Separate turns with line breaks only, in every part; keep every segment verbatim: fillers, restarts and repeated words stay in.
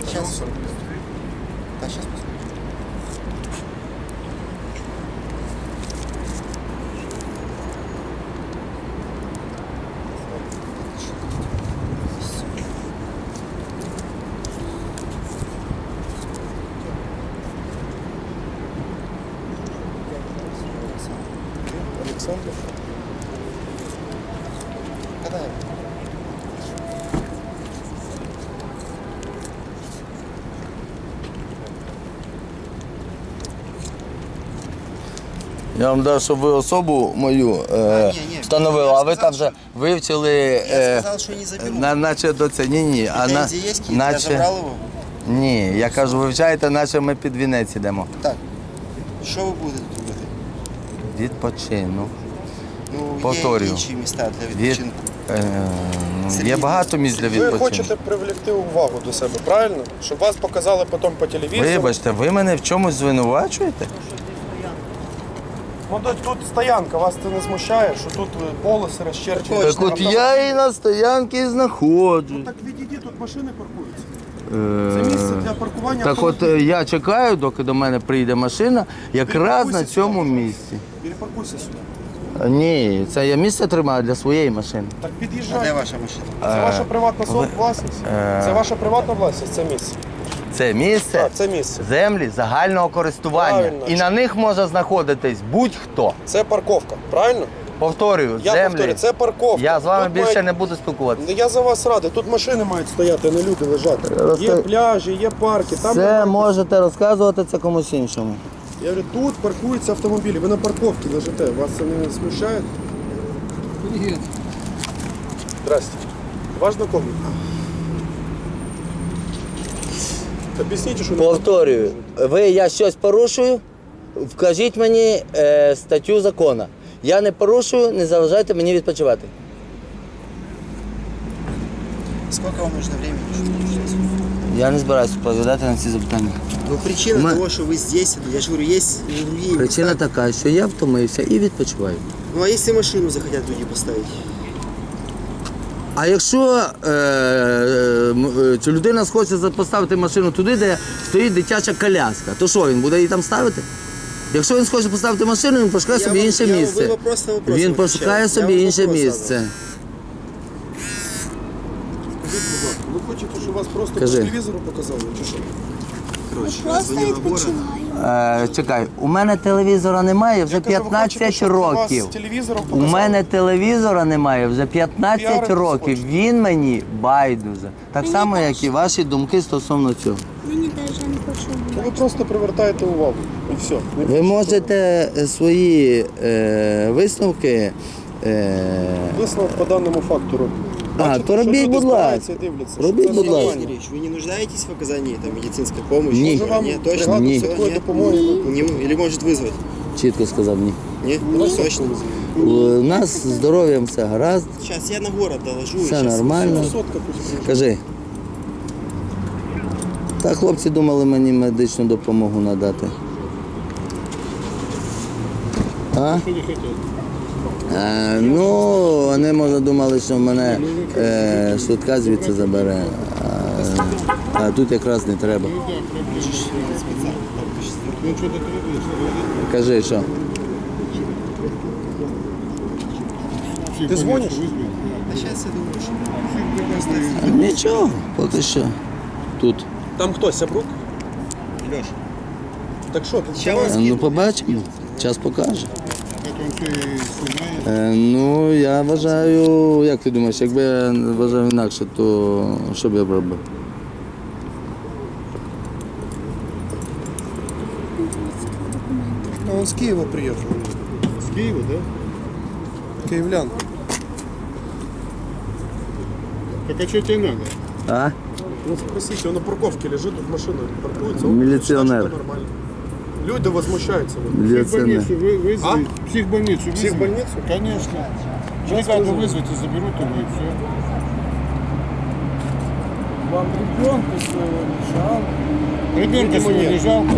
Сейчас. Да, сейчас посмотрим.
Александр.
Когда?
Я вам дав, щоб ви особу мою е,
ні, ні.
встановили,
Я
а ви
сказав,
там вже
що-
вивчили,
Я
е,
сказал, что не заберу.
на, наче до це. Ні, ні, а на,
Претензии есть какие-то? Я
наче,
забрал его?
ні, я кажу, вивчайте, наче ми під вінець йдемо.
Так. Что вы будете тут робити?
Відпочину.
Ну,
Повторюю.
є інші міста для
Від,
відпочинку.
е, ну,
Сергій,
є багато місць для
Ви
відпочинку.
хочете привлекти увагу до себе, правильно? Щоб вас показали потім по телевізору.
Вибачте, ви мене в чомусь звинувачуєте?
Ну тут, тут стоянка, вас це не смущає, що тут е, полоси розчерчені.
Так от я і на стоянці знаходжу.
Так відійди, тут машини паркуються. Це місце для паркування
Так от
автомобілів.
е, я чекаю, доки до мене прийде машина, якраз на цьому місці.
Перепаркуйся сюди.
Е, Ні, це я місце тримаю для своєї машини.
Так
А де
під'їжджай.
ваша машина?
Це ваша приватна
ви-
власність.
е,
Це ваша приватна власність, це місце.
Це місце,
Так, це місце.
землі загального користування.
Правильно.
І на них може знаходитись будь-хто.
Це парковка, правильно?
Повторюю,
Я
землі.
повторюю, це парковка.
Я з вами
Тут
більше
мають-
не буду спілкуватися.
Ну, я за вас радий. Тут машини мають стояти, а не люди лежати.
Розкажи.
Є пляжі, є парки. Там
Це
немає-
можете розказувати це комусь іншому.
Я говорю, тут паркуються автомобілі. Ви на парковці лежите. Вас це не смущає? Привіт. Здрасте. Ваш знайомий? Об'ясніть, що не
Повторюю, ви я щось порушую, вкажіть мені е, статтю закону. Я не порушую, не заважайте мені відпочивати.
Сколько вам нужно времени, чтобы сейчас?
Я не збираюся відповідати на ці запитання.
Ну, причина
Мы-
того, что вы здесь, я же говорю, есть и другие
Причина
места.
така, що я втомився і відпочиваю.
Ну, а если машину захотят люди поставить?
А якщо е, е, м- е, чи людина схоче за- поставити машину туди, де стоїть дитяча коляска, то що, він буде її там ставити? Якщо він схоче поставити машину, він пошукає
Я
собі
вам-
інше
я- ви
місце.
вопрос на вопрос
Він
отвечаєте.
пошукає
Я
собі
вам
інше
вопрос
місце.
задав.
Скажіть, будь ласка, ви хочете, щоб вас просто
Кажи.
по телевізору показали, чи що?
Короче,
Просто
звонила Гора.
відпочиваємо.
Е, чекай, у мене телевізора немає вже
Я кажу, ви хочете,
п'ятнадцять
щоб вас
років.
телевізором
У
показали?
мене телевізора немає вже п'ятнадцять
Піаритись
років.
хочете?
Він мені байдуже. Так
Мені
само,
теж.
як і ваші думки стосовно цього.
Мені навіть не хочу
Ну, ви
бувати.
просто привертаєте увагу. І все. Не
Ви
більше
можете е, свої е, висновки. Е,
того. Висновок по даному факту робіть.
А,
Бачите,
то
що
робіть,
люди
будь
збираються
ласка.
і дивляться, що
Робіть,
це
будь
нормально.
ласка.
Сергеевич, вы не нуждаетесь в оказании там, медицинской помощи?
Не.
Може вам
Нет, точно?
бригада
Ні.
швидкої
Всё,
допомоги?
нет? Не- Или может вызвать?
Чітко сказав ні.
Нет? Точно?
У нас з здоров'ям все гаразд,
Сейчас я на город доложу.
все
щас-
нормально.
Сотка пусть приїжджає.
Кажи. Та хлопці думали мені медичну допомогу надати. А? Е, ну, вони, може, думали, що мене е, швидка звідси забере. А, а тут якраз не треба. Кажи, що?
Ти дзвониш?
А сейчас я думаю, что...
Нічого, поки що. Тут.
Там хто, Сябрук?
Леша,
Так що, ти
Ща вас-
Е, Ну, побачимо. Час покаже. Е, ну, я вважаю, як ти думаєш, якби я вважав інакше, то що б я б робив?
А он с Киева приехал.
С Киева, да?
Киевлян.
Так а что тебе надо?
А?
Ну спросите, он на парковке лежит, тут машина паркуется. он
Милиционер.
считает, что нормально. Люди возмущаются. Вот.
Міліціонер.
Психбольницу вы, вызови. Психбольницу вызови.
Психбольницу?
Конечно. Бригаду вызвать и заберут его и все.
Вам ребенка своего не жалко?
Ребенка
Видимо,
своего не
нет.
жалко.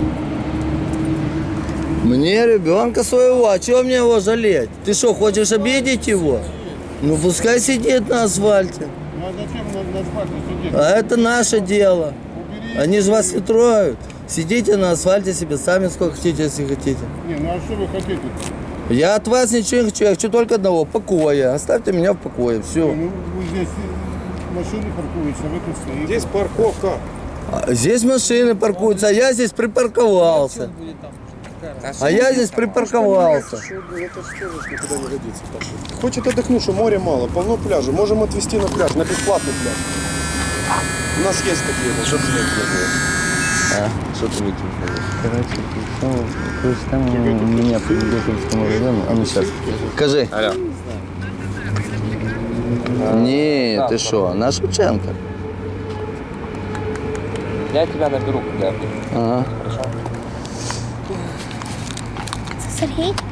Мне ребенка своего, а чего мне его жалеть? Ты что, хочешь обидеть его? Ну пускай сидит на асфальте.
Ну а зачем на, на асфальте сидеть?
А это наше дело.
Убери
Они же вас не трогают. Сидите на асфальте себе сами сколько хотите, если хотите.
Не, ну а что вы хотите?
Я от вас ничего не хочу, я хочу только одного, покоя. Оставьте меня в покое, все.
Ну, вы здесь машины паркуются, вы тут стоите.
Здесь парковка.
Здесь машины паркуются, а я здесь припарковался. А я здесь припарковался.
Что, это что же никуда не годится. Так. Хочет отдохнуть, что море мало, полно пляжа. Можем отвезти на пляж, на бесплатный пляж. У нас есть такие, вот, что ты
А, что ты выкинул? Короче, ну, короче, там у меня по Беховскому району. А ну сейчас. Скажи.
Алло.
Не, ты что, на Шевченко.
Я тебя наберу, когда я буду.
Ага.
Сергій?